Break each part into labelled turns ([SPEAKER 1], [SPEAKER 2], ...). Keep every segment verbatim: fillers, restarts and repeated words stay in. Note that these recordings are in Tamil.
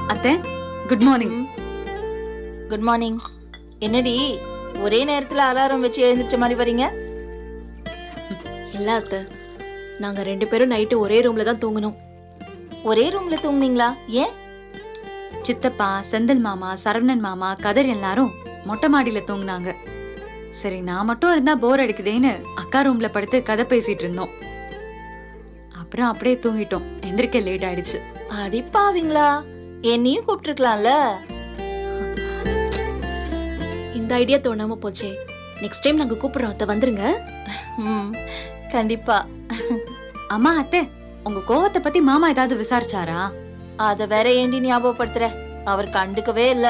[SPEAKER 1] அத்தை, குட் மார்னிங்.
[SPEAKER 2] Good morning. என்னடி ஒரே நேரத்துல அலாரம் வச்சு எழுந்திருச்ச மாதிரி வரீங்க?
[SPEAKER 3] இல்ல அத்தை, நாங்க ரெண்டு பேரும் நைட்டு ஒரே ரூம்ல தான் தூங்கணும்.
[SPEAKER 2] ஒரே ரூம்ல தூங்குனீங்களா? ஏன்?
[SPEAKER 1] சித்தப்பா, செந்தில் மாமா, சரவணன் மாமா, கதர் எல்லாரும் மொட்டை மாடியில தூங்குனாங்க. சரி, நான் மட்டும் இருந்தா போர் அடிக்குதேன்னு அக்கா ரூம்ல படுத்து கதை பேசிட்டு இருந்தோம். அப்புறம் அப்படியே தூங்கிட்டோம். எந்திரிக்க லேட் ஆயிடுச்சு.
[SPEAKER 2] அடிப்பாவீங்களா? என்னையும் கூப்பிட்டுருக்கலாம்ல.
[SPEAKER 3] இந்த ஐடியா தோணாம போச்சே. நெக்ஸ்ட் டைம் நாங்க கூப்பிடுறோம் அத்தை, வந்துருங்க.
[SPEAKER 2] ம், கண்டிப்பா.
[SPEAKER 1] அம்மா, அத்தை, உங்க கோவத்தை பத்தி மாமா ஏதாவது விசாரிச்சாரா?
[SPEAKER 2] அத வேற ஏண்டி ஞாபகப்படுத்துற? அவர் கண்டுக்கவே இல்ல.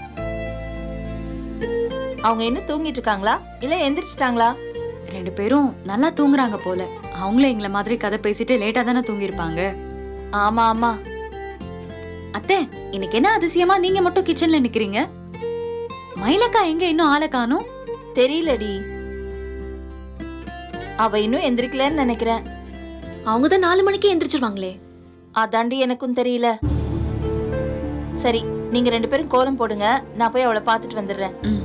[SPEAKER 2] அவங்க என்ன தூங்கிட்டு இருக்காங்களா இல்ல எந்திரிச்சிட்டாங்களா?
[SPEAKER 1] ரெண்டு பேரும் நல்லா தூங்குறாங்க போல. அவங்களே எங்களை மாதிரி கதை பேசிட்டு லேட்டா தானே தூங்கிருப்பாங்க.
[SPEAKER 2] ஆமா ஆமா.
[SPEAKER 1] அத்தை, இன்னைக்கு என்ன அதிசயமா நீங்க மட்டும் கிச்சன்ல நிக்கிறீங்க? மயிலக்கா எங்க இன்னும் ஆளை காணோம்?
[SPEAKER 2] தெரியலடி, அவ இன்னும் எந்திரிக்கலன்னு நினைக்கிறேன்.
[SPEAKER 3] அவங்க தான் நாலு மணிக்கு எந்திரிச்சிருவாங்களே.
[SPEAKER 2] அதாண்டி எனக்கும் தெரியல. சரி, நீங்க ரெண்டு பேரும் கோலம் போடுங்க, நான் போய் அவளை பாத்துட்டு வந்துடுறேன்.
[SPEAKER 1] ம்.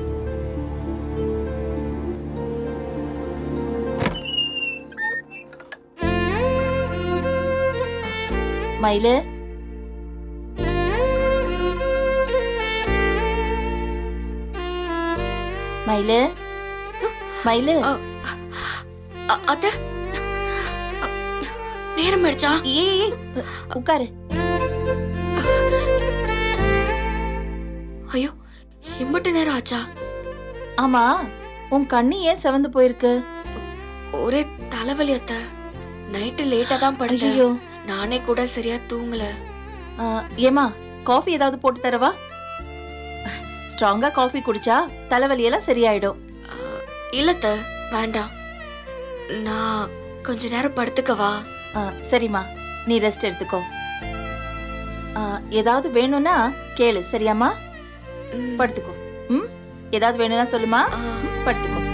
[SPEAKER 2] மயிலு, மயிலு, மயிலு.
[SPEAKER 3] அத்தை, நேரம் ஆயிடுச்சா?
[SPEAKER 2] ஏய், உட்காரு.
[SPEAKER 3] ஐயோ, இம்பட்டு நேரம் ஆச்சா?
[SPEAKER 2] ஆமா, உன் கண்ணு ஏன் செவந்து போயிருக்கு?
[SPEAKER 3] ஒரே தலைவலி அத்தை. நைட்டு லேட்டா தான் படுத்தேன்.
[SPEAKER 2] ஐயோ,
[SPEAKER 3] நானே கூட சரியா தூங்கல.
[SPEAKER 2] ஏமா, காஃபி ஏதாவது போட்டு தரவா? ஸ்ட்ராங்கா காஃபி குடிச்சா தலைவலியெல்லாம் சரியாயிடும்.
[SPEAKER 3] இல்லத்த, வேண்டாம். நான் கொஞ்ச நேரம் படுத்துக்கவா?
[SPEAKER 2] சரிம்மா, நீ ரெஸ்ட் எடுத்துக்கோ. ஏதாவது வேணும்னா கேளு, சரியாம்மா? படுத்துக்கோ. ம், ஏதாவது வேணும்னா சொல்லுமா, படுத்துக்கோ.